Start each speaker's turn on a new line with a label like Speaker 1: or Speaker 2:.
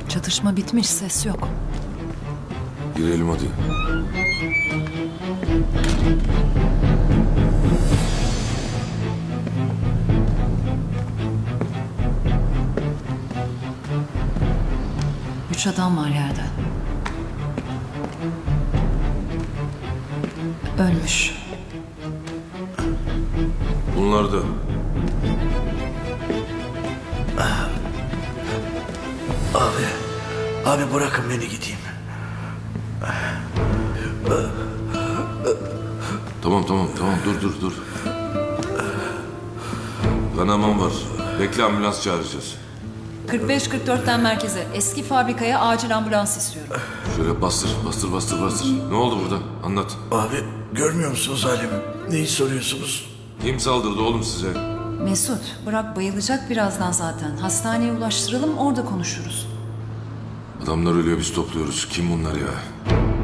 Speaker 1: Çatışma bitmiş, ses yok.
Speaker 2: Girelim hadi.
Speaker 1: Üç adam var yerde. Ölmüş.
Speaker 2: Bunlar da.
Speaker 3: Abi bırakın beni gideyim.
Speaker 2: Tamam dur. Kanaman var. Bekle, ambulans çağıracağız.
Speaker 1: 45-44'ten merkeze. Eski fabrikaya acil ambulans istiyorum.
Speaker 2: Şöyle bastır. Ne oldu burada? Anlat.
Speaker 3: Abi görmüyor musunuz halimi? Neyi soruyorsunuz?
Speaker 2: Kim saldırdı oğlum size?
Speaker 1: Mesut, bırak bayılacak birazdan zaten. Hastaneye ulaştıralım, orada konuşuruz.
Speaker 2: Adamlar ölüyor, biz topluyoruz. Kim bunlar ya?